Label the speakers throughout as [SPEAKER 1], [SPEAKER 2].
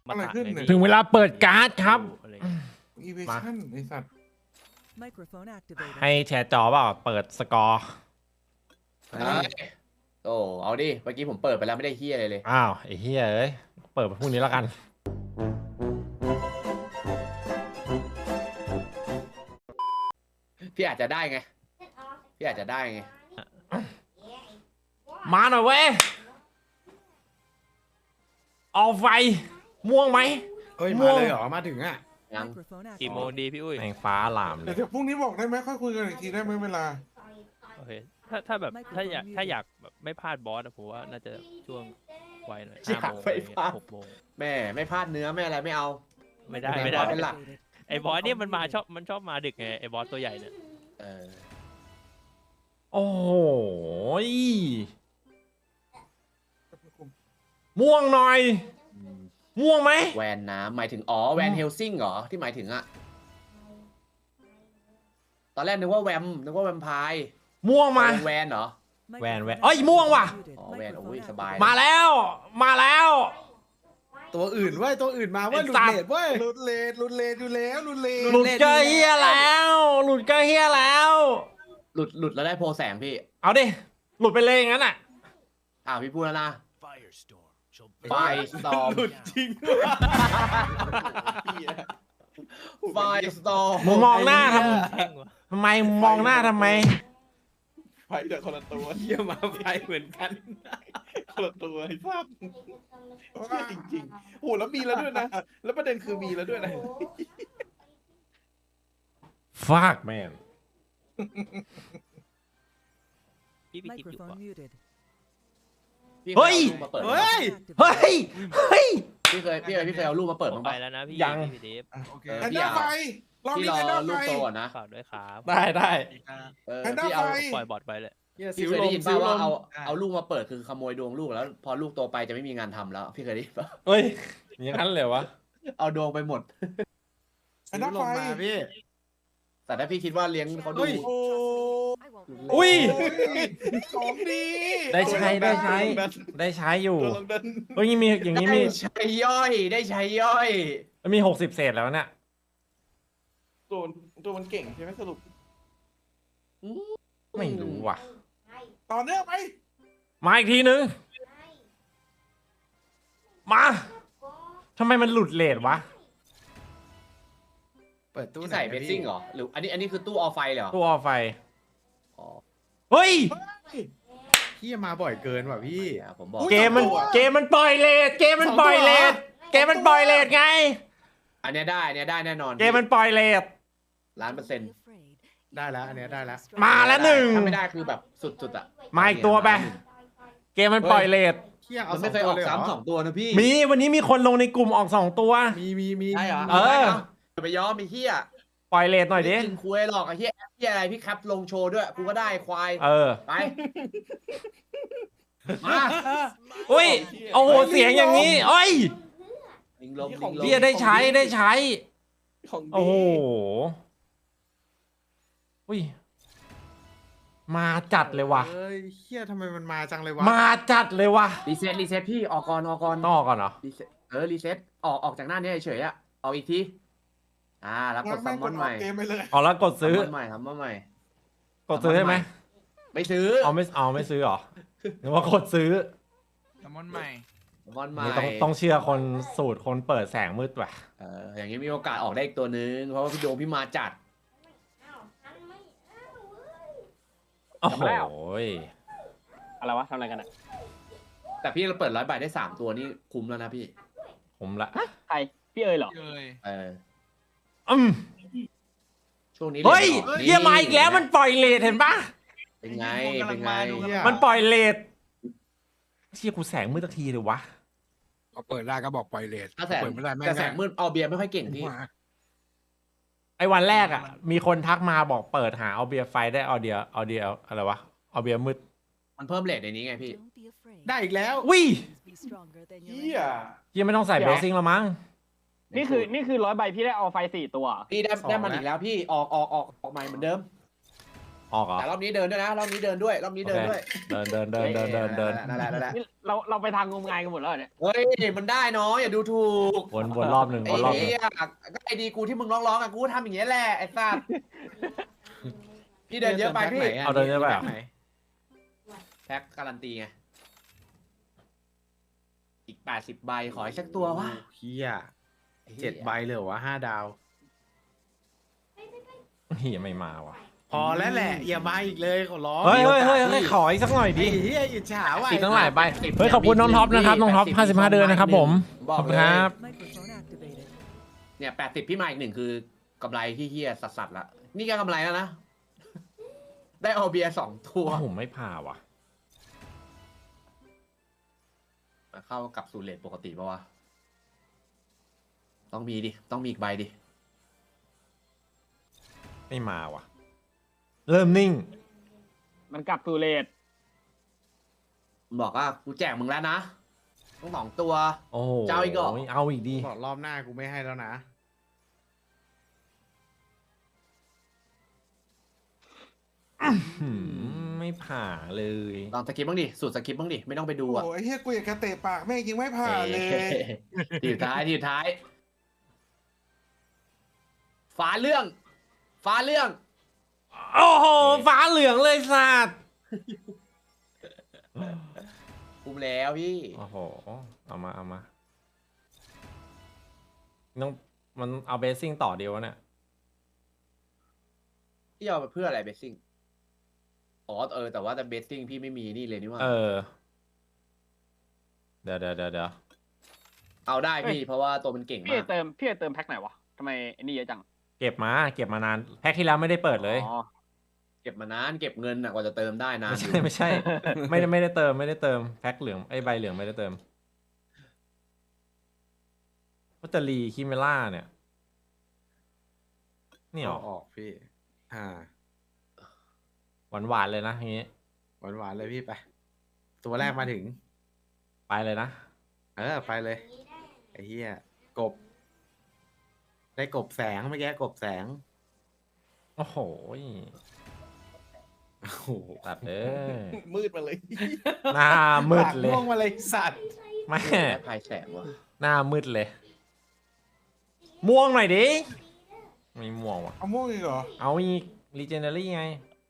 [SPEAKER 1] มาถามไงพี่
[SPEAKER 2] ถึงเวลาเปิดการ์ดครับ
[SPEAKER 1] อะไร
[SPEAKER 3] อีเวชั่นไอสัตว์
[SPEAKER 2] ให้แชร์จอเปล่าเปิดสกอร์
[SPEAKER 4] โอ้เอาดิเมื่อกี้ผมเปิดไปแล้วไม่ได้เฮียอะไรเลย
[SPEAKER 2] อ้าวไอ้เหี้ยเอ้ยเปิดพรุ่งนี้แล้วกัน
[SPEAKER 4] พี่อาจจะได้ไงพี่อาจจะได้ไง
[SPEAKER 2] มาหน่อยเว้ยเอาไฟม่วงไหม
[SPEAKER 5] เฮ้ยมาเลยเหรอมาถึงอ่ะ
[SPEAKER 4] ยัง
[SPEAKER 1] กี่โมงดีพี่อุ้ย
[SPEAKER 2] แมงฟ้าหลามเล
[SPEAKER 3] เดี๋ยวย พรุ่งนี้บอกได้ไหมค่อยคุยกันอีกทีได้ไหมเวลา
[SPEAKER 1] โอเคถ้าแบบถ้าอยากแบบไม่พลาดบอสอะผมว่าน่าจะช่วงไวหน่อย5 โมงอะไรเงี้ย6 โมง
[SPEAKER 4] แม่ไม่พลาดเนื้อไม่อะไรไม่เอา
[SPEAKER 1] ไม่ได้
[SPEAKER 4] เป็นบอสเป็นหลัก
[SPEAKER 1] ไอ้บอสเนี่ยมันชอบมาดึกไงไอ้บอสตัวใหญ่เนี่ย
[SPEAKER 4] เออ
[SPEAKER 2] โอ้โหม่วงหน่อย
[SPEAKER 4] อืม
[SPEAKER 2] ม่วงไหม
[SPEAKER 4] แวนน้ำหมายถึงอ๋อแวนเฮลซิงเหรอที่หมายถึงอะตอนแรกนึกว่าแวมไพร์
[SPEAKER 2] ม่วงมา
[SPEAKER 4] แวนเหรอ
[SPEAKER 2] แวนเอ้ยม่วงว่ะ
[SPEAKER 4] อ๋อแวนโอ้ยสบาย
[SPEAKER 2] มาแล้วมาแล้ว
[SPEAKER 5] ตัวอื่นเว้ยตัวอื่นมาเว้ย
[SPEAKER 2] ไอ้
[SPEAKER 5] หลุ
[SPEAKER 2] สั
[SPEAKER 5] ด
[SPEAKER 2] ตว์
[SPEAKER 5] เลทเว้ย
[SPEAKER 3] ลุดเลดอยู่แล้วลุดเลด
[SPEAKER 2] หลุดเกอเฮียแล้วหลุดเกอเฮียแล้ว
[SPEAKER 4] หลุดแล้วได้โพแสงพี่
[SPEAKER 2] เอาดิหลุดไปเลยอย่างนั้นอ่ะ
[SPEAKER 4] พี่พูดแล้วนะ ไฟสตอม
[SPEAKER 5] หลุดจริง
[SPEAKER 4] ไฟสตอม
[SPEAKER 2] มึงมองหน้าท
[SPEAKER 1] แห้งวะ
[SPEAKER 2] ำไมมึงมองหน้าทำไม
[SPEAKER 3] ไฟแต่คนละตัว
[SPEAKER 5] เยี่ยมาไฟเหมือนกัน
[SPEAKER 3] คนละตัวไอ้สัตว์จริงๆโหแล้วมีแล้วด้วยนะ แล้วประเด็นคือมีแล้วด้วยนะ
[SPEAKER 2] fuck man
[SPEAKER 1] พี่คิดอยู่วะ
[SPEAKER 4] พี่
[SPEAKER 2] เฮ้ย
[SPEAKER 4] อารูปมาเปิด
[SPEAKER 5] เฮ้ย
[SPEAKER 2] เฮ้ยเฮ้ย
[SPEAKER 4] พี่เคยเอารูปมาเปิดบ้าง
[SPEAKER 1] ไป
[SPEAKER 4] ปะ
[SPEAKER 1] แล้วนะพี่
[SPEAKER 2] ยัง
[SPEAKER 1] พี่เดฟ
[SPEAKER 3] โอเค
[SPEAKER 4] เออ
[SPEAKER 3] แพนด้าไฟรอบ
[SPEAKER 4] พี่
[SPEAKER 3] นี้
[SPEAKER 4] รอ
[SPEAKER 3] แพนด้า
[SPEAKER 4] รู
[SPEAKER 3] ไฟ
[SPEAKER 4] ปโตก่อนนะ
[SPEAKER 1] ฝากด้วยครับ
[SPEAKER 2] ได้
[SPEAKER 3] แพนด้า
[SPEAKER 4] พี่เอา
[SPEAKER 3] ไฟ
[SPEAKER 1] ปล่อยบอทไปเลย
[SPEAKER 4] พี่เคยได้ยินป่าวว่าเอาลูกมาเปิดคือขโมยดวงลูกแล้ว พอลูกโตไปจะไม่มีงานทำแล้ว พี่เคยได้ยินป่ะ
[SPEAKER 2] เฮ้ยอย่างนั้นเลยวะ
[SPEAKER 4] เอาดวงไปหมด
[SPEAKER 3] แพนด้าไฟ
[SPEAKER 5] มาพี่
[SPEAKER 4] แต่ถ้าพี่คิดว่าเลี้ยงเขาดู
[SPEAKER 5] เฮ้ย
[SPEAKER 3] โอ้
[SPEAKER 2] อุ้ย
[SPEAKER 3] ของดี
[SPEAKER 2] ได้ใช้ได้ใช้อยู่
[SPEAKER 3] ตัวลงดัน
[SPEAKER 2] เฮ้ยมีอย่างนี้
[SPEAKER 4] ได้
[SPEAKER 2] มี
[SPEAKER 4] ใช้ย่อยได้ใช้ย่อย
[SPEAKER 2] มี60 เศษแล้วเนี่ย
[SPEAKER 3] ตัวมันเก่งใช่ไหมสรุป
[SPEAKER 2] ไม่รู้ว่ะ
[SPEAKER 3] ต่อเนื่องไป
[SPEAKER 2] มาอีกทีนึง มาทำไมมันหลุดเลทวะ
[SPEAKER 5] เปิดตู้
[SPEAKER 4] ที่
[SPEAKER 5] ไหน
[SPEAKER 4] ใส่
[SPEAKER 5] อะ
[SPEAKER 4] เบส
[SPEAKER 5] พี่
[SPEAKER 4] ซิ่งเหรอหรืออันนี้คือตู้ออฟไฟเหรอ
[SPEAKER 2] ตัวออไฟ
[SPEAKER 4] อ๋อ
[SPEAKER 2] เฮ้ย
[SPEAKER 5] พี่มาบ่อยเกินว่ะพี่
[SPEAKER 4] ผมบอก
[SPEAKER 2] เกมมันปล่อยเลทเกมมันปล่อยเลทเกมมันปล่อยเลทไง
[SPEAKER 4] อันเนี้ยได้แน่นอน
[SPEAKER 2] เกมมันปล่อยเลท
[SPEAKER 4] 1,000,000%
[SPEAKER 5] ได้แล้วอันเนี้ยได้แล้ว
[SPEAKER 2] มาแล้วหนึ่ง
[SPEAKER 4] ถ้าไม่ได้คือแบบสุดๆอ่ะ
[SPEAKER 2] มาอีกตัวไป เกมมันปล่อยเลท
[SPEAKER 5] เที่ยเอา
[SPEAKER 4] มัน
[SPEAKER 5] สอ
[SPEAKER 4] ไม่
[SPEAKER 5] ง
[SPEAKER 4] เคย
[SPEAKER 5] ตั
[SPEAKER 4] อ
[SPEAKER 5] ว
[SPEAKER 4] อก
[SPEAKER 5] เลยเหรอ
[SPEAKER 4] ซ้ำสองตัวนะพี่
[SPEAKER 2] มีวันนี้มีคนลงในกลุ่มออก2 ตัว
[SPEAKER 5] มี
[SPEAKER 4] ใช่เหรอ
[SPEAKER 2] เออ
[SPEAKER 4] ไปย้อมไอ้เหี้ย
[SPEAKER 2] ปล่อยเลทหน่อยดิ
[SPEAKER 4] ไม่กินคุยหรอกไอ้เหี้ยอะไรพี่แคปลงโชว์ด้วยกูก็ได้ควาย
[SPEAKER 2] เออ
[SPEAKER 4] ไปมา
[SPEAKER 2] อุ้ยโอ้โหเสียงอย่างนี้เอ้ย
[SPEAKER 4] ลิงลม
[SPEAKER 2] เบียได้ใช้
[SPEAKER 3] ของดี
[SPEAKER 2] โอ้โหอุ้ยมาจัดเลยว่ะ
[SPEAKER 5] เฮ้ยเที่ยทำไมมันมาจังเลยวะ
[SPEAKER 2] มาจัดเลยว่ะ
[SPEAKER 4] รีเซ็ตพี่ออกก่อน
[SPEAKER 2] ต้องออกก่อนเหรอ
[SPEAKER 4] รีเซ็ตออกจากหน้านี้เฉยๆอะออกอีกทีแล้วกดซัมมอนใหม่
[SPEAKER 3] เกมไปเลย
[SPEAKER 2] อ๋อแล้วกดซื้อ
[SPEAKER 4] ซัมมอนใหม่
[SPEAKER 2] กดซื้อใช่ไหม
[SPEAKER 4] ไม่ซื้อ
[SPEAKER 2] ไม่ซื้อเหรอหรือว่ากดซื้อ
[SPEAKER 6] ซัมมอนใหม่
[SPEAKER 4] ซัมมอนใหม่
[SPEAKER 2] นี่ต้องเชื่อคนสูตรคนเปิดแสงมืดว่ะ
[SPEAKER 4] อย่างนี้มีโอกาสออกได้อีกตัวนึงเพราะว่าพี่โดมพี่มาจัด
[SPEAKER 2] โอ้โห
[SPEAKER 7] อะไรวะทำอะไรกันอ่ะ
[SPEAKER 4] แต่พี่เราเปิด100 ใบได้3 ตัวนี่คุ้มแล้วนะพี่
[SPEAKER 2] ผมละ
[SPEAKER 7] ใคร พี่เอ๋ยเหรอ
[SPEAKER 6] เอ้ย
[SPEAKER 2] อืม
[SPEAKER 4] ช่วงนี้
[SPEAKER 2] เฮ้ย
[SPEAKER 4] นี่
[SPEAKER 2] เฮียมาอีกแล้วมันปล่อยเลทเห็นปะ
[SPEAKER 4] เป็นไง
[SPEAKER 5] เหี้ย
[SPEAKER 2] มันปล่อยเลทเชี่ยกูแสงมืดสักทีเลยวะ
[SPEAKER 8] ก็เปิดได้ก็บอกปล่อยเลท
[SPEAKER 4] ถ้าแสง
[SPEAKER 8] เปิดไม่ได้แม่ง
[SPEAKER 4] แต่แสงมืดเอาเบียร์ไม่ค่อยเก่งพี่
[SPEAKER 8] มา
[SPEAKER 2] ไอ้วันแรกอ่ะ มีคนทักมาบอกเปิดหาเอาเบียร์ไฟได้เอาเดียอะไรวะเอาเบียร์มืด
[SPEAKER 4] มันเพิ่มเรทในนี้ไงพี่
[SPEAKER 5] ได้อีกแล้ว
[SPEAKER 2] วิ
[SPEAKER 3] เฮีย
[SPEAKER 2] ยังไม่ต้องใส่เบสซิ่งแล้วมั้ง
[SPEAKER 7] นี่คือ100 ใบพี่ได้เอาไฟ4 ตัว
[SPEAKER 4] พี่ได้มันอีกแล้วพี่ออกใหม่เหมือนเดิม
[SPEAKER 2] ออกเหรอ
[SPEAKER 4] แต่รอบนี้เดินด้วยนะรอบนี้เดินด้วยรอบนี้เดินด้วย
[SPEAKER 2] เดิน
[SPEAKER 4] นั่นแหละ
[SPEAKER 7] นี่เราไปทางงมงายกันหมดแล้วเนี่ย
[SPEAKER 4] เฮ้ยมันได้น้อยอย่าดูถูก
[SPEAKER 2] วนรอบหนึ่ง
[SPEAKER 4] ไอ้
[SPEAKER 2] วนรอบหนึ่ง
[SPEAKER 4] เหี้ยก็ไอ้ดีกูที่มึงร้องอ่ะกูทำอย่างเงี้ยแหละไอ้สัสพี่เดินเยอะไปพี่
[SPEAKER 2] เอาเดินเยอะไปเหรอ
[SPEAKER 4] แพ็คการันตีไงอีก80 ใบขออีกสักตัววะ
[SPEAKER 5] เฮีย7 ใบเลยเหรอวะ5 ดาว
[SPEAKER 2] เฮียไม่มาว่ะ
[SPEAKER 5] พอแล้วแหละ อย่ามาอีกเลยขอร้อง
[SPEAKER 2] เฮ้ยขออีกสักหน่อยดิ
[SPEAKER 5] ไอ้เฮียอิจฉาว่ะ
[SPEAKER 2] อีกตั้งหลายใบเฮ้ยขอบคุณน้องท็อปนะครับน้องท็อป55 เดือนนะครับผม
[SPEAKER 4] บ
[SPEAKER 2] ข
[SPEAKER 4] อ
[SPEAKER 2] อบ
[SPEAKER 4] ก
[SPEAKER 2] คุณ
[SPEAKER 4] เลย
[SPEAKER 2] ครับ
[SPEAKER 4] เนี่ย80พี่มาอีก1คือกำไรที่เฮียสัสๆละนี่ก็กำไรแล้วนะ ได้เอาเบียร์2 ตัว
[SPEAKER 2] ผมไม่ผ่าว่ะ
[SPEAKER 4] เข้ากับสูตรเลทปกติปะวะต้องมีดิต้องมีอีกใบดิ
[SPEAKER 2] ไม่มาว่ะ เริ่มนิ่ง
[SPEAKER 7] มันกลับตูเลต
[SPEAKER 4] บอกว่ากูแจกมึงแล้วนะต้อง2 ตัว
[SPEAKER 2] โอ้โห
[SPEAKER 4] จะเอาอีกเหรอ
[SPEAKER 2] เอาอีกดิ
[SPEAKER 5] บอกรอบหน้ากูไม่ให้แล้วนะ
[SPEAKER 2] ไม่ผ่าเลย
[SPEAKER 4] ลองสกิปบ้างดิสูตรสกิปบ้างดิไม่ต้องไปดูอ่ะ
[SPEAKER 3] โอ้ยเฮียกูอยากกระเตะปากแม่งยิงไม่ผ่านเลย
[SPEAKER 4] ทีสุดท้ายทีสุดท้ายฟ้าเรื่อง
[SPEAKER 2] โอ้โหฟ้าเหลืองเลยสัตว์
[SPEAKER 4] คุมแล้วพี่
[SPEAKER 2] โอ้โหเอามาต้องมันเอาเบสซิ่งต่อเดียววะเนี่ย
[SPEAKER 4] พี่เอาไปเพื่ออะไรเบสซิ่งอ๋อแต่ว่าแต่เบสซิ่งพี่ไม่มีนี่เลยนี่ว่า
[SPEAKER 2] เดี๋ยว
[SPEAKER 4] เอาได้พี่เพราะว่าตัวมันเก่ง
[SPEAKER 7] พี่
[SPEAKER 4] มาก
[SPEAKER 7] เติมแพ็คไหนวะทำไมไอ้นี่เยอะจัง
[SPEAKER 2] เก็บมานานแพ็คที่แล้วไม่ได้เปิดเลย
[SPEAKER 7] อ๋อ
[SPEAKER 4] เก็บมานานเก็บเงินกว่าจะเติมได้นาน
[SPEAKER 2] ไม่ใช่ ไม่ได้เติมแพ็คเหลืองไอ้ใบเหลืองไม่ได้เติมวัตเตอรีคิเมล่าเนี่ยนี่หรอ
[SPEAKER 5] ออกพี่
[SPEAKER 2] หวานเลยนะอย่างงี้
[SPEAKER 5] หวานๆเลยพี่ไป ตัวแรกมาถึง
[SPEAKER 2] ไปเลยนะ
[SPEAKER 5] ไปเลย ไอ้เหี้ยกบ ได้กบแสงเมื่อกี้กบแสง
[SPEAKER 2] โอ้โห
[SPEAKER 5] โอ้โห
[SPEAKER 2] ตัดเอ้ย
[SPEAKER 3] มืดมาเลย
[SPEAKER 2] หน้ามืดเลย
[SPEAKER 5] ม่วงมาเลยสัตว์
[SPEAKER 2] แม่
[SPEAKER 4] พายแสงว่ะ
[SPEAKER 2] หน้ามืดเลย ม่วงหน่อยดิไม่ม่วงว่ะ
[SPEAKER 3] เอาม่วงอีกเหรอ
[SPEAKER 2] เอาอีก Legendary ไง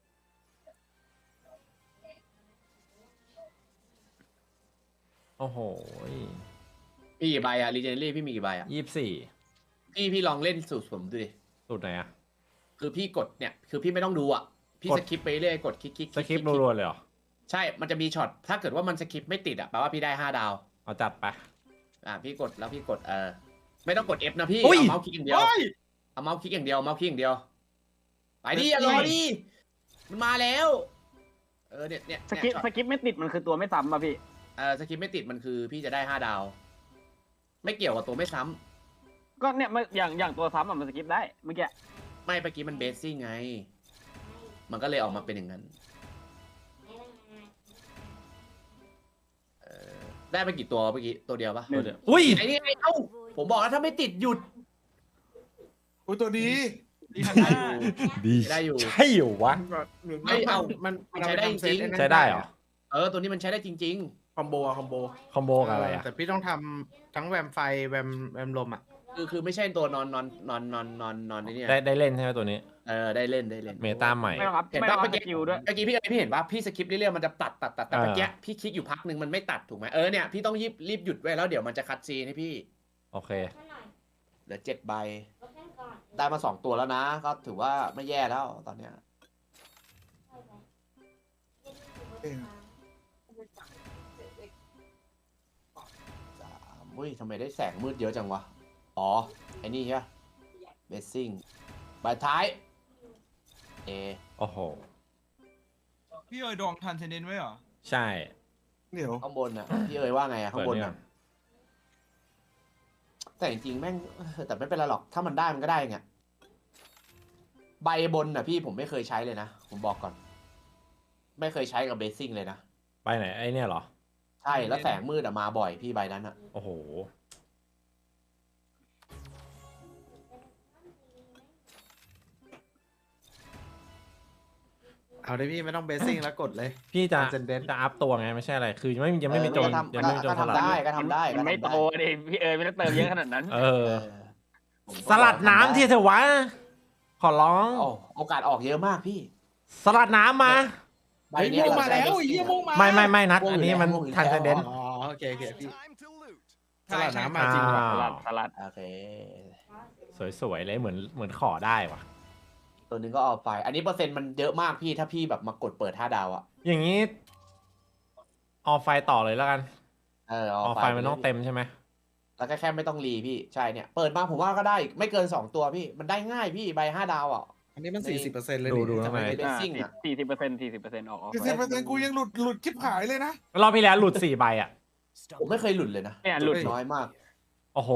[SPEAKER 2] โอ้โห
[SPEAKER 4] พี่กี่ใบอะรีเจนเรี่พี่มีกี่ใบอะ
[SPEAKER 2] 24
[SPEAKER 4] พี่ลองเล่นสูตรผมดูดิ
[SPEAKER 2] สุดไหนอะ
[SPEAKER 4] คือพี่กดเนี่ยคือพี่ไม่ต้องดูอ่ะพี่
[SPEAKER 2] กด
[SPEAKER 4] สคิปไปเรื่อยกดคลิก
[SPEAKER 2] สคริปต์รัวๆเลยเหรอ
[SPEAKER 4] ใช่มันจะมีช็อตถ้าเกิดว่ามันสคิปไม่ติดอ่ะแปลว่าพี่ได้5 ดาว
[SPEAKER 2] เอาจัดไป
[SPEAKER 4] พี่กดแล้วพี่กดไม่ต้องกด F นะพี่
[SPEAKER 2] อุ้ย
[SPEAKER 4] เอาเมาส์คลิกอย่างเดียวเอาเมาส์คลิกอย่างเดียวเมาส์คลิกอย่างเดียวไปดิอย่ารอดิมันมาแล้วเนี่ย
[SPEAKER 7] สกิปไม่ติดมันคือตัวไม่ซ้ำป่ะพี่
[SPEAKER 4] สคิปไม่ติดมันคือพี่จะได้5 ดาว ไม่เกี่ยวกับตัวไม่ซ้ำ
[SPEAKER 7] ก็เนี่ยอย่างตัวซ้ำอะมันสกิปได้เมื่อกี้
[SPEAKER 4] ไม่เมื่อกี้มันเบสซิ่งไง มันก็เลยออกมาเป็นอย่างนั้นได้ไปกี่ตัวเมื่อกี้ตัวเดียวปะ
[SPEAKER 2] ตัวเดียวอุ้ย
[SPEAKER 4] ไอ้นี่ไงเอ้าผมบอกแล้วถ้าไม่ติดหยุด
[SPEAKER 3] อุ้ยตัวดี
[SPEAKER 2] ดี
[SPEAKER 4] ได้อยู่
[SPEAKER 2] ใช่เหรอวะ
[SPEAKER 4] ไม่เอา
[SPEAKER 5] มัน
[SPEAKER 4] ใช้ได้จริง
[SPEAKER 2] ใช้ได้เหรอ
[SPEAKER 4] ตัวนี้มันใช้ได้จริง
[SPEAKER 5] คอมโบ
[SPEAKER 2] คอมโบกับอะไรอะ
[SPEAKER 5] แต่พี่ต้องทำทั้งแวมไฟแวมลมอ่ะ
[SPEAKER 4] ๆคือไม่ใช่ตัวนอนนี่เนี่ย
[SPEAKER 2] ได้เล่นใช่ไหมตัวนี้
[SPEAKER 4] ได้เล่น
[SPEAKER 2] เมตาใหม่
[SPEAKER 7] ไม่ต้องรับ
[SPEAKER 4] เห็น
[SPEAKER 7] ไม่
[SPEAKER 4] ป่ะ
[SPEAKER 7] ต้องรับ
[SPEAKER 4] เมื่อ
[SPEAKER 7] ส
[SPEAKER 4] กี้
[SPEAKER 7] กิลด้วย
[SPEAKER 4] เมื่อกี้พี่เห็นป่ะพี่สคิปเรื่อยๆมันจะตัดแต่
[SPEAKER 2] อ่า
[SPEAKER 4] เมื่อกี้พี่คลิกอยู่พักหนึ่งมันไม่ตัดถูกไหมเนี่ยพี่ต้องรีบหยุดไว้แล้วเดี๋ยวมันจะคัดซีนให้พี่
[SPEAKER 2] โอเค
[SPEAKER 4] เหลือ7 ใบได้มา2 ตัวแล้วนะ ก็ถือว่าไม่แย่แล้วตอนเนี้ยอุ้ยทำไมได้แสงมืดเยอะจังวะอ๋อไอ้นี่ใช่ไหมเบสซิ่งใบท้าย
[SPEAKER 2] โอ้โห
[SPEAKER 6] พี่เอ๋ยดองทันเซนเดนไว้เหรอ
[SPEAKER 2] ใช่
[SPEAKER 3] เดี๋ยว
[SPEAKER 4] ข้างบนอ่ะพี่เอ๋ยว่าไงอ่ะข้างบน
[SPEAKER 2] เปิดเนี่
[SPEAKER 4] อ่ะ
[SPEAKER 2] ย
[SPEAKER 4] แต่จริงๆแม่งแต่ไม่เป็นไรหรอกถ้ามันได้มันก็ได้ไงใบบนอ่ะพี่ผมไม่เคยใช้เลยนะผมบอกก่อน ไม่เคยใช้กับเบสซิ่งเลยนะ
[SPEAKER 2] ไปไหนไอเนี่ยเหรอ
[SPEAKER 4] ใช่แล้วแสงมืดอ่ะมาบ่อยพี่ใบนั้นอ่ะ
[SPEAKER 2] โอ้โห
[SPEAKER 5] เอาได้พี่ไม่ต้องเบสซิ่งแล้วกดเลย
[SPEAKER 2] พี่จะ
[SPEAKER 5] Transcendent
[SPEAKER 2] จะอัพตัวไงไม่ใช่อะไร คือยังไม่มีโจรยังไม่มีโจร
[SPEAKER 4] ก็
[SPEAKER 2] สลัด
[SPEAKER 4] ทำได้ก็ทำได้
[SPEAKER 7] มันไม่โตดิพี่ไม่ต้องเติมเยอะขนาดนั้น
[SPEAKER 2] เอ
[SPEAKER 4] เอ
[SPEAKER 2] อ
[SPEAKER 4] อ
[SPEAKER 2] สลัดน้ำที่เถอะวะ ขอร้อง
[SPEAKER 4] โอกาสออกเยอะมากพี่
[SPEAKER 2] สลัดน้ำมา
[SPEAKER 4] ใบ
[SPEAKER 3] เฮ้ย
[SPEAKER 4] เนี้ย
[SPEAKER 3] ม่วงมาแล้ว
[SPEAKER 4] เร
[SPEAKER 3] ไอ้เหี้ยม่วงมา
[SPEAKER 2] ไม่นัด
[SPEAKER 4] ม่วง
[SPEAKER 2] อันนี้มัน
[SPEAKER 4] ม่วงอยู่แล้ว
[SPEAKER 2] ทันเซนเดน
[SPEAKER 5] อ๋อโอเคพี่
[SPEAKER 3] สลัดน้ำมาจริงว่ะ
[SPEAKER 7] สลัด
[SPEAKER 4] โอเค
[SPEAKER 2] สวยๆเลยเหมือนขอได้ว่ะ
[SPEAKER 4] ตัวหนึงก็เอาไป อันนี้เปอร์เซ็นต์มันเยอะมากพี่ถ้าพี่แบบมากดเปิด5 ดาวอะ
[SPEAKER 2] อย่างนี้ออไฟต่อเลยแล้วกัน
[SPEAKER 4] เออ
[SPEAKER 2] ออ
[SPEAKER 4] เอา
[SPEAKER 2] ไฟมันต้องเต็มใช่ไหม
[SPEAKER 4] แล้วก็แค่ไม่ต้องรีพี่ใช่เนี่ยเปิดมาผมว่าก็ได้ไม่เกิน2 ตัวพี่มันได้ง่ายพี่ใบ5 ดาวอ่ะ
[SPEAKER 5] อันนี้มัน 40%เลย
[SPEAKER 2] ดู
[SPEAKER 5] ทำไม
[SPEAKER 2] ทำไม
[SPEAKER 4] Basing อะ
[SPEAKER 7] 40%ออก
[SPEAKER 3] 40%กูยังหลุดชิบหายเลยนะ
[SPEAKER 2] รอบที่แล้วหลุด4 ใบอ่ะ
[SPEAKER 4] ผมไม่เคยหลุดเลยนะ
[SPEAKER 7] เนี่ยหลุด
[SPEAKER 4] น้อยมาก
[SPEAKER 2] โอ้โห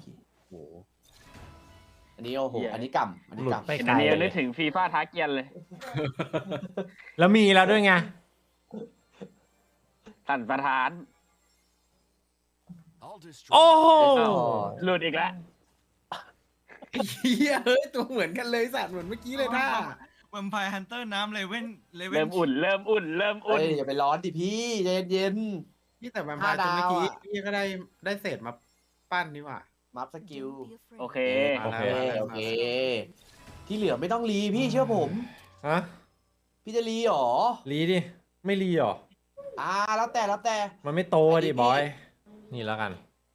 [SPEAKER 4] อันนี้โอ้โห
[SPEAKER 7] เหี้ย
[SPEAKER 4] อันนี้กำอันนี้
[SPEAKER 2] หลุด
[SPEAKER 4] กำ
[SPEAKER 2] ไป
[SPEAKER 7] อัน
[SPEAKER 2] ไกล
[SPEAKER 7] นี้
[SPEAKER 2] เล
[SPEAKER 7] นึก
[SPEAKER 2] ย
[SPEAKER 7] ถึงฟีฟ่าท้าเกียนเลย
[SPEAKER 2] แล้วมีแล้วด้วยไง
[SPEAKER 7] สั่นประธาน
[SPEAKER 2] โอ้โห
[SPEAKER 7] หลุดอีกแล้ว
[SPEAKER 5] เฮียเฮ้ยตัวเหมือนกันเลยสัตว์เหมือนเมื่อกี้เลยท่า
[SPEAKER 6] แวมไพร์ฮันเตอร์น้ำเลเว่น
[SPEAKER 7] เริ่มอุ่น
[SPEAKER 4] เอ้ยอย่าไปร้อนดิพี่ใจเย็น
[SPEAKER 5] พี่แต่แวมไพร์ตัวเมื่อกี้
[SPEAKER 4] 5 ดาวอะ
[SPEAKER 5] พี่ก็ได้เศษมาปั้นนี่หว่า
[SPEAKER 4] ๆมัฟสกิล
[SPEAKER 7] โอเค
[SPEAKER 2] โอเค
[SPEAKER 4] โอเคที่เหลือไม่ต้องรีพี่เชื่อผม
[SPEAKER 2] ฮะ
[SPEAKER 4] พี่จะรีหรอ
[SPEAKER 2] รีดิ ไม่รีหรอ
[SPEAKER 4] แล้วแต่
[SPEAKER 2] มันไม่โตอะดิบอย นี่แล้วกัน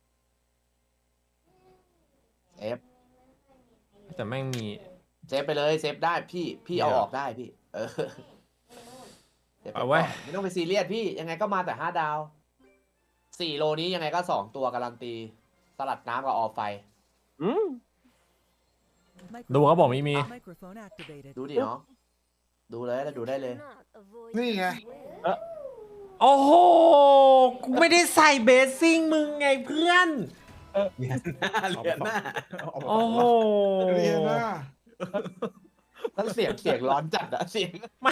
[SPEAKER 4] เซฟ
[SPEAKER 2] แต่แม่งมี
[SPEAKER 4] เซฟไปเลยเซฟได้พี่เอาออกได้พี่เออเซฟป
[SPEAKER 2] เอาไว้
[SPEAKER 4] ก่อนไม่ต้องไปซีเรียสพี่ยังไงก็มาแต่5 ดาว4 โลนี้ยังไงก็2 ตัวการันตีสลัดน้ำกับออฟไฟ
[SPEAKER 7] อืม
[SPEAKER 2] ดูเขาบอกไม่มี
[SPEAKER 4] ดูดิเนาะดูเลยแล้วดูได้เลย
[SPEAKER 3] นี่ไง
[SPEAKER 2] โอ้โห กูไม่ได้ใส่เบสซิ่งมึงไงเพื่อน
[SPEAKER 5] เหรียญหน้า
[SPEAKER 2] โอ้โห
[SPEAKER 3] เรียนนะ
[SPEAKER 4] แล้วเสียงร้อนจัดอะเสียง
[SPEAKER 2] มา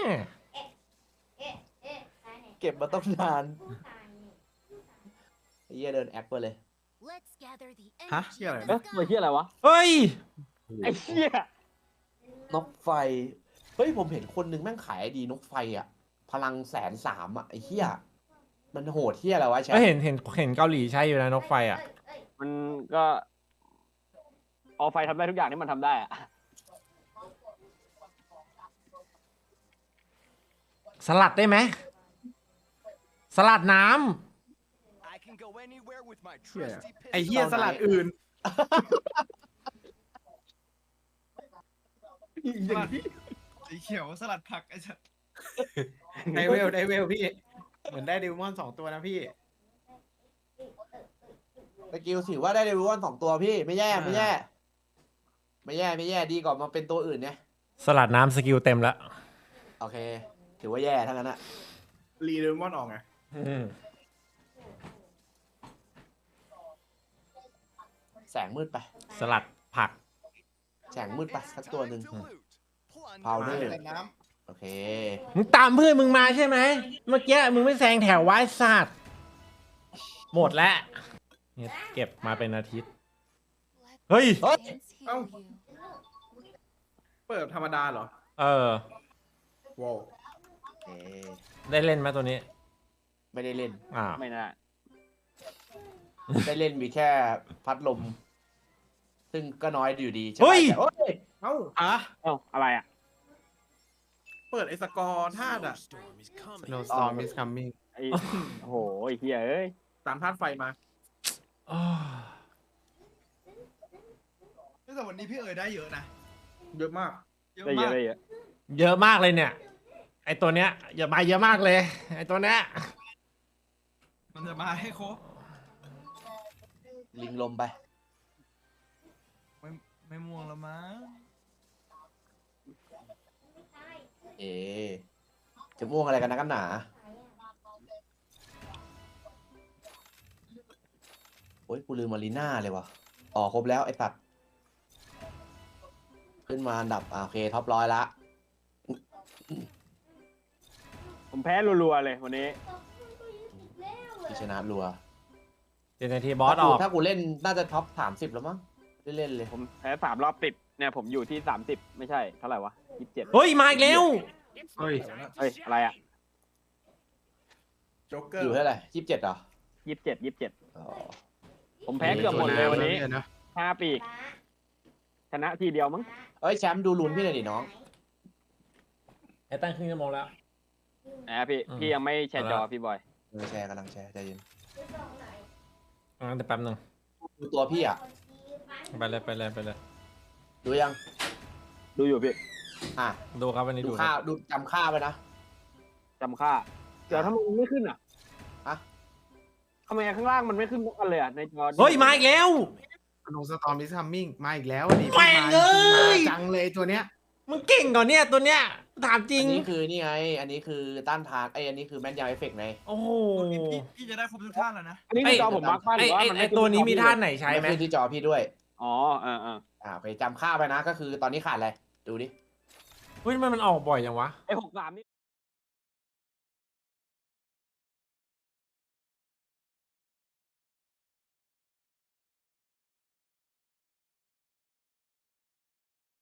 [SPEAKER 4] เก็บมาต้องนานไอ้เหี้ยเดินแอคไปเลย
[SPEAKER 5] ฮะ
[SPEAKER 3] เชี่ยอะไร
[SPEAKER 7] เอ๊ะ
[SPEAKER 3] นะ
[SPEAKER 7] ตัวเฮียอะไรวะ
[SPEAKER 2] เฮ้ย
[SPEAKER 7] ไอ้เฮีย
[SPEAKER 4] นกไฟเฮ้ยผมเห็นคนนึงแม่งขายไอดีนกไฟอะพลัง130,000อะไอ้เหี้ยมันโหดเหี้ยอะไรวะแชม
[SPEAKER 2] ก็
[SPEAKER 4] ป์
[SPEAKER 2] เห็นเกาหลีใช้อยู่นะนกไฟอ่ะ
[SPEAKER 7] มันก็ออไฟทำได้ทุกอย่างที่มันทำได้อะ
[SPEAKER 2] สลัดได้ไหม สลัดน้
[SPEAKER 5] ไอเฮียสลัดอื่น
[SPEAKER 3] อย่างนี้
[SPEAKER 6] สีเขียวสลัดผักไอ้สัส
[SPEAKER 5] ได้เวลพี่ เหมือนได้เดมอน2 ตัวนะพี่
[SPEAKER 4] สกิลถือว่าได้เดวิวอน2 ตัวพี่ไม่แย่ไม่แย่ดีกว่ามาเป็นตัวอื่นเนี่ย
[SPEAKER 2] ำสลัดน้ำสกิลเต็มแล้ว
[SPEAKER 4] โอเค ถือว่าแย่ทั้งนั้นอะ
[SPEAKER 3] รีเดมอนออกไง
[SPEAKER 4] แสงมืดไป
[SPEAKER 2] สลัดผัก
[SPEAKER 4] แสงมืดไปสักตัวหนึ่ง Powder
[SPEAKER 3] เล่นน้
[SPEAKER 4] โอเค
[SPEAKER 2] มึงตามเพื่อนมึงมาใช่ไหม เมื่อกี้มึงไม่แซงแถวไว้สัตว์หมดแล้วเนี่ยเก็บมาเป็นอาทิตย์ เฮ้ย
[SPEAKER 4] เฮ้ย
[SPEAKER 3] เปิดธรรมดาเหรอ
[SPEAKER 2] เออ
[SPEAKER 3] ว้าว
[SPEAKER 4] โอเค
[SPEAKER 2] ได้เล่นไหมตัวนี้
[SPEAKER 4] ไม่ได้เล่น
[SPEAKER 2] อ่า
[SPEAKER 7] ไม่น่า
[SPEAKER 4] ได้เล่นมีแค่พัดลม ซึ่งก็น้อยอยู่ดีใช่ไหม
[SPEAKER 2] เฮ้ย
[SPEAKER 4] แต่เฮ้ย
[SPEAKER 3] เอ้า
[SPEAKER 7] เอ้าอะไรอ่ะ
[SPEAKER 3] เปิดไอ้สกอร์ธาตุอะ
[SPEAKER 5] No storm is coming
[SPEAKER 7] ไอ้โอ้โหไอ้เฮียเอ้ย
[SPEAKER 3] ตามธาตุไฟมา
[SPEAKER 6] แต่วันนี้พี่เอ๋ยได้เยอะนะ
[SPEAKER 3] เยอะมาก
[SPEAKER 6] เยอะ
[SPEAKER 7] ได้เย
[SPEAKER 6] มา
[SPEAKER 7] อะ
[SPEAKER 6] ก
[SPEAKER 7] ได้เยอะ
[SPEAKER 2] เยอะมากเลยเนี่ย ไอตัวเนี้ยอย่ามาเยอะมากเลย ไอตัวเนี้ย
[SPEAKER 6] มันจะมาให้ครบ
[SPEAKER 4] ลิงลมไป
[SPEAKER 6] ไม่ม่วงแล้วมั้ง
[SPEAKER 4] จะม่วงอะไรกันนะกันหนาโอ้ยกูลืมมารีน่าเลยวะครบแล้วไอ้ตัด ขึ้นมาอันดับโอเคท็อป100ละ
[SPEAKER 7] ผมแพ้รัวๆเลยวันนี้
[SPEAKER 4] ที่ชนะรัว
[SPEAKER 2] เจนทีบอสออก
[SPEAKER 4] ถ้ากูเล่นน่าจะท็อป30แล้วมั้งเล่นเลย
[SPEAKER 7] ผมแพ้3 รอบติดเนี่ยผมอยู่ที่30ไม่ใช่เท่าไหร่วะ27
[SPEAKER 2] เฮ้ย มาอีกแล้ว
[SPEAKER 5] เฮ้ย
[SPEAKER 7] เฮ้ย อะไรอ่ะ
[SPEAKER 3] โจ๊กเกอ
[SPEAKER 4] อยู่
[SPEAKER 3] ร์
[SPEAKER 4] เท่าไหร่27เหรอ
[SPEAKER 7] 27
[SPEAKER 4] อ๋อ
[SPEAKER 7] ผมแพ้เกือบหมดเลยวันนี้
[SPEAKER 5] นะ
[SPEAKER 7] 5 ปีก ชนะทีเดียวมั้ง
[SPEAKER 4] เอ้ยแชมป์ดูลุ้นพี่หน่อยดิน้อง
[SPEAKER 2] ไอ้ตั้งครึ่งชั่วโมงแล้ว
[SPEAKER 7] พี่
[SPEAKER 2] อืม
[SPEAKER 7] พี่ยังไม่แชร์จอพี่บอย
[SPEAKER 4] กำลังแชร์ใจเย็น
[SPEAKER 2] งั้นแต่แป๊บนึง
[SPEAKER 4] ดูตัวพี่อ่ะ
[SPEAKER 2] ไปเลย
[SPEAKER 4] ดูยัง
[SPEAKER 7] ดูอยู่พี่
[SPEAKER 4] อ่ะ
[SPEAKER 2] ดูครับวันนี้
[SPEAKER 4] ดู
[SPEAKER 2] ดู
[SPEAKER 4] ค่าดูจำค่าไปนะ
[SPEAKER 7] จำค่า เดี๋ยวทำไมมันไม่ขึ้นอ่ะ
[SPEAKER 4] ฮะ
[SPEAKER 7] ทำไมข้างล่างมันไม่ขึ้นกันเลยอ่ะ ในจอ
[SPEAKER 2] เฮ้ยมาอีกแล้ว
[SPEAKER 5] ลงสตอมดิซัมมิ่งมาอีกแล้วดิ
[SPEAKER 2] แม่งเอ้ย
[SPEAKER 5] มาจังเลยตัวเนี้ย
[SPEAKER 2] มึงเก่งก่อนเนี่ยตัวเนี้ยถามจริ
[SPEAKER 4] อั
[SPEAKER 2] ง
[SPEAKER 4] นนี้คือนี่ไง อันนี้คือต้านทานอันนี้คือแม่นยำเอฟเฟกต์ไง
[SPEAKER 2] โอ้โห
[SPEAKER 6] พี่จะได้ครบทุกท่านแล้วนะ
[SPEAKER 7] อันนี้ในจอผมมาร์คบ้านห
[SPEAKER 2] ไอ
[SPEAKER 7] รือว่า
[SPEAKER 2] ไอ
[SPEAKER 7] มัน
[SPEAKER 2] ไอ
[SPEAKER 7] ไม่ขึ้
[SPEAKER 2] ตัวนี้มีท่า
[SPEAKER 7] ที่
[SPEAKER 2] ไหนใช้ไหม
[SPEAKER 4] ขึ้นที่จอพี่ด้วย
[SPEAKER 7] อ๋อ
[SPEAKER 4] ไปจำค่าไปนะก็คือตอนนี้ขาดอะไร ดูดิ
[SPEAKER 2] เฮ้ยทำไมมันออกบ่อยจังวะ
[SPEAKER 7] ไอ้63นี่